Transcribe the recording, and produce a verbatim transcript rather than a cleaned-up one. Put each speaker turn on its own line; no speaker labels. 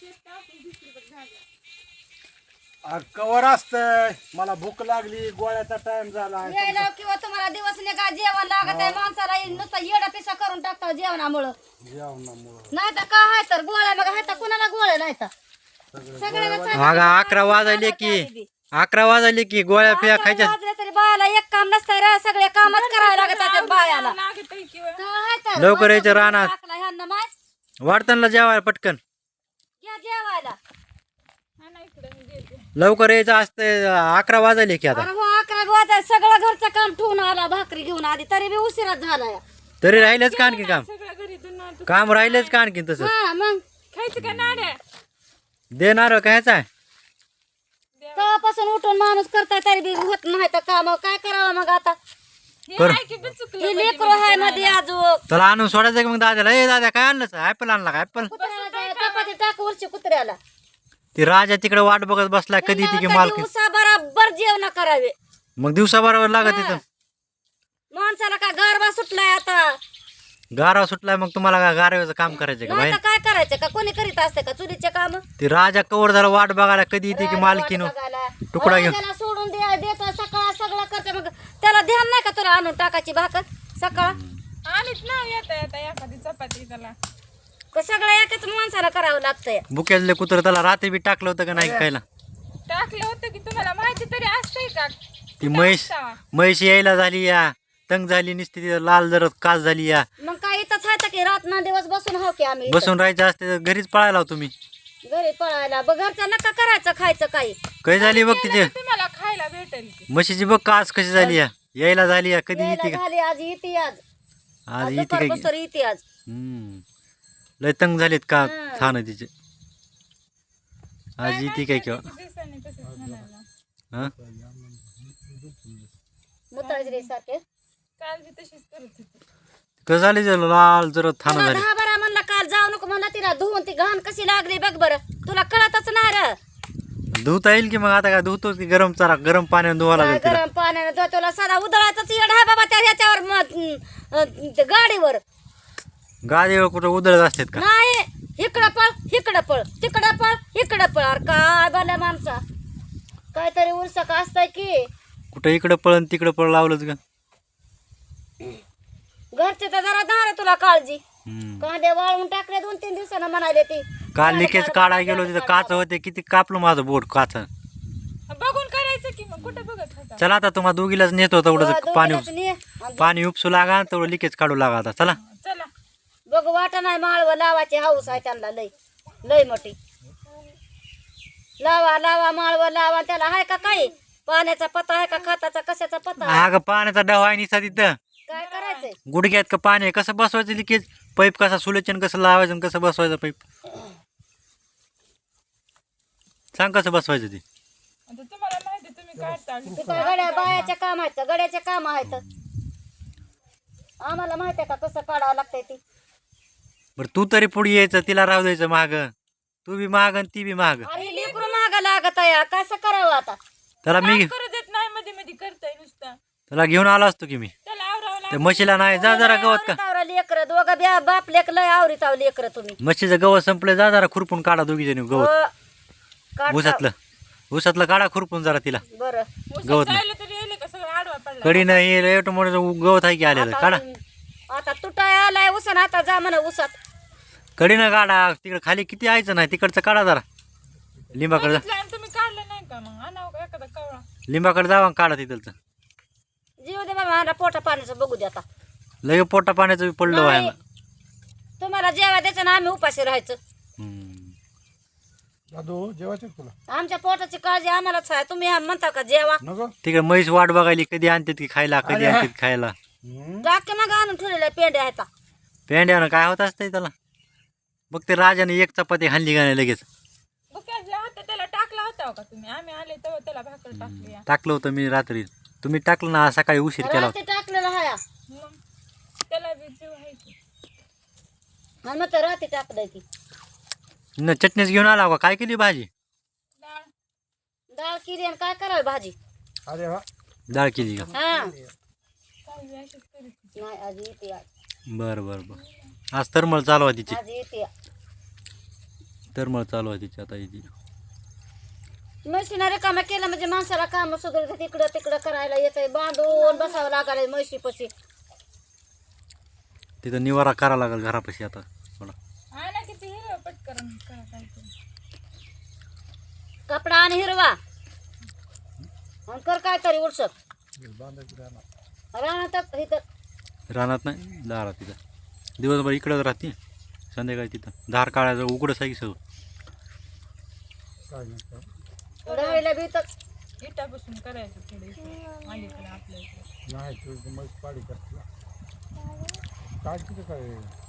Cover असतंय मला भूक लागली गोळ्याचा टाइम झाला
यायला किंवा तुम्हाला दिवस निघा जेवण लागत आहे माणसाला नुसतं येडा पिसा करून टाकतो जेवणामुळं
जेवणामुळं
नाही तर काय आहे तर गोळ्या मग आहे तर कुणाला गोळ्या नाही तर सगळ्याला
अगं अकरा वाजले की अकरा वाजले की गोळ्या पिया खायच्या
वाजले तरी बायाला एक काम नसतंय रे सगळे कामच करावे लागत आहेत बायाला काय आहे तर
लवकर यायचं रानात
टाकला ह्यांना माय
वाढताना जेवायला पटकन
या जेवायला
लवकर यायचं असतंय अकरा वाजले की आता
अरे हो अकरा वाजाय सगळं घरचं काम ठेवून आला भाकरी घेऊन आधी तरी बी उशिराच झाला या
तरी राहिलेच का आणखी काम काम राहिलेच का आणखी तसं
हा मग
खायचं का नाड्या
देणार कायच आहे
तेव्हापासून उठून माणूस करताय तरी बी होत नाही तर काम काय करावं मग आता
कर
ही लेकरू आहे मध्ये अजून
त्याला आणून सोडायचं की मग दादाला ए दादा काय आणलं ऍपल आणला का ऍपल
कुत्र्याला जाय, चपाती टाक उरची कुत्र्याला
ती राजा तिकडे वाट बघत बसला कधी ती की मालकी
उसा बराबर जेवण करावे
मग दिवसा बरोबर लागत तिथं
माणसाला काय गरबा सुटलाय आता
गारवा सुटलाय मग तुम्हाला काय गारव्याचं काम करायचं का
नाही
बाई
तर काय करायचं का कोणी करीत असते का चुलीचे काम
ती राजा कवर जरा वाट बघायला कधी येते की मालकीनं तुकडा घेऊन
त्याला सोडून द्या देतो सकाळ सगळं करते मग त्याला ध्यान नाही का तुला आणून टाकायची भाकर सकाळ
आणीत ना येता येता एखादी चपाती त्याला
का सगळं एकाच माणसाला करावं लागतंय
बुक्यातले कुत्र त्याला रात्री बी टाकलं होतं का नाही खायला
टाकलं होतं की तुम्हाला माहिती तरी असतंय का
ती म्हैस म्हैस यायला झाली या तंग झाली नुसती ती लाल जरत कास झाली या
मग काय इथंच आहे की रात ना दिवस बसून हो की आम्ही
बसून राहायचं असते तर घरीच पळायला हो तुम्ही
घरी पळायला बघ घरचं नका करायचं खायचं काही
काही झाली बघ तिचे
तुम्हाला खायला भेटेल की
म्हशीची बघ कास कशी झाली या यायला झाली या कधी येते
यायला
का
झाली आज येते आज
आज
आज
येते काय
दुपारपासून येते आज
हम्म लय तंग झालीत का
हं.
थान तिचे आज येते काय किंवा
दिवसांनी तसंच म्हणायला
हा
मुताजरी सारखे
काल बी तशीच करत होती
कसं झाली ते लाल जर थान
तुला
झाली
दहा बारा म्हणला काल जाऊ नको म्हणला तिला धुवून ती घाण कशी लागली बघ बरं तुला कळतच नाही र
धुता येईल की मग आता काय धुतो की गरम चारा गरम पाण्याने धुवा लागेल तिला
गरम पाण्याने धुवा तुला साधा उदळाचाच येड आहे बाबा त्या ह्याच्यावर म- अं, ते गाडीवर
गादीवर कुठं उधळत असतात का
नाही इकडं पळ इकडं पळ तिकडं पळ इकडं पळ अरे काय बाल्या माणसा काहीतरी उलसक असतंय की
कुठं इकडं पळन तिकडं पळ लावलंच का
घरचे तर जरा धार तुला काळजी
हम्म.
कांदे वाळून टाकले दोन तीन दिवसानं म्हणाले ती
काल लिकेज काढाय गेलो तिथं काच होते किती कापलं माझं बोट काच
बघून करायचं की मग कुठं बघत होता
चला आता तुम्हाला दोघीलाच नेतो तेवढं पाणी
दोघीलाच ने. आणि
पाणी उपसू लागा तेवढं लिकेज काढू लागा आता चला
चला
बघ वाट नाही माळव लावाची हाऊस आहे त्यांना लय लय मोठी लावा लावा माळव लावा त्याला आहे का काही पाण्याचा पत्ता आहे का खताचा कशाचा पत्ता आहे?
अगं पाण्याचा डव आहे निसा तिथं
काय करायचंय
गुडघ्यात का पाणी आहे कसं बसवायचं लिकेज पाईप कसा सुलेचन कसं लावायचं आणि कसं बसवायचं पाईप सांग कसं बसवायचं ते
आता तुम्हाला माहिती तुम्ही काढता
ते काय गड्या बायाच्या काम आहेत का गड्याचे काम आहेत आम्हाला माहिती आहे का कसं काढावं लागतंय ती
बरं तू तरी पुढे यायचं तिला राहू द्यायचं माग तू बी महाग आणि ती बी महाग
अरे लेकरू महाग लागत आहे कसं करावं आता
त्याला मी
करू देत नाही मध्ये मध्ये करताय नुसतं
त्याला घेऊन आलो असतो की मी
त्याला आवरावं
त्या म्हशीला नाही जा जरा गवत का
आवरीत लेकर दोघं ब्या बाप लेक लय आवरीत आव लेकर तुम्ही
म्हशीचं गवत संपलं जा जरा खुरपून काढा दोघी जणी गवत
हो. काढता.
ऊसातलं ऊसातलं काढा खुरपून जरा तिला
बरं
गवत नाही
जायला तरी येईल का सगळं आडवा पडला
कडी नाही एवढं मोठं गवत आहे की आलेलं काढा
आता तुटाय आलाय उसन आता जा म्हणा उसात
कडीनं काढा तिकडे खाली किती यायचं नाही तिकडचं काढा जरा लिंबाकडे जा
आणि तुम्ही काढलं नाही का मग आणावं का एखादा कवळा
लिंबाकडे जावा आणि काढा तिथलचं
जीव दे बाबा मला पोटा पाण्याचं बघू दे आता
लगे पोटा पाण्याचं बी पडलं आहे
नाही. तुम्हाला जेवा द्यायचं ना आम्ही उपाशी राहायचं
दादू जेवायचे तुला
आमच्या पोटाची काळजी आम्हालाच आहे तुम्ही आम- म्हणता का जेवा
नको
तिकडे म्हैस वाट बघायली कधी आणतात की खायला कधी आणतात खायला
टाके मग आणून ठेवलेल्या पेंड्या आहेत
पेंड्यानं काय होत असतंय त्याला बघ ते राजाने एक चपाती हाणली का नाही लगेच
बुक्यातला होता त्याला टाकला होता का तुम्ही आम्ही आले तेव्हा त्याला भाकर टाकली या.
टाकलं होतं मी रात्री तुम्ही टाकलं ना सकाळी उशीर केला होता
रात्री टाकलेलं हाया
मग त्याला बी जीव आहे की
आणि मग तर रात्री टाकलंय की
न चटणीच घेऊन आला का काय केली भाजी
डाळ
डाळ किरी आणि काय करावी भाजी
अरे वा
डाळ केली का
हा
काही बी अशीच करीत
नाही आज येते आज
बरं बरं बरं आज तरमळ चालवा तिची
आज येते
तरमळ चालू आहे तिची आता याची.
म्हशीनं रिकामा केलं म्हणजे माणसाला काम सुधारत इकडं तिकडं करायला येतंय. बांधून बसावं लागायला म्हशी पशी.
तिथं निवारा करावा लागेल घरापाशी आता मला.
आहे ना किती हिरवा पटकन करा काहीतरी.
कपडा आणि हिरवा आणि कर काय तरी उलसक राहणार इथं.
रानात नाही दारात तिथं. दिवसभर इकडंच राहते, संध्याकाळी तिथं धार काढायचं उघडच आहे की सगळं.
काय नाही
राहायला बी तर
इटापासून करायचं थोडं इकडे अलीकडे आपल्या इकडे.
नाही तू मग पाडी करते काय तिथं काय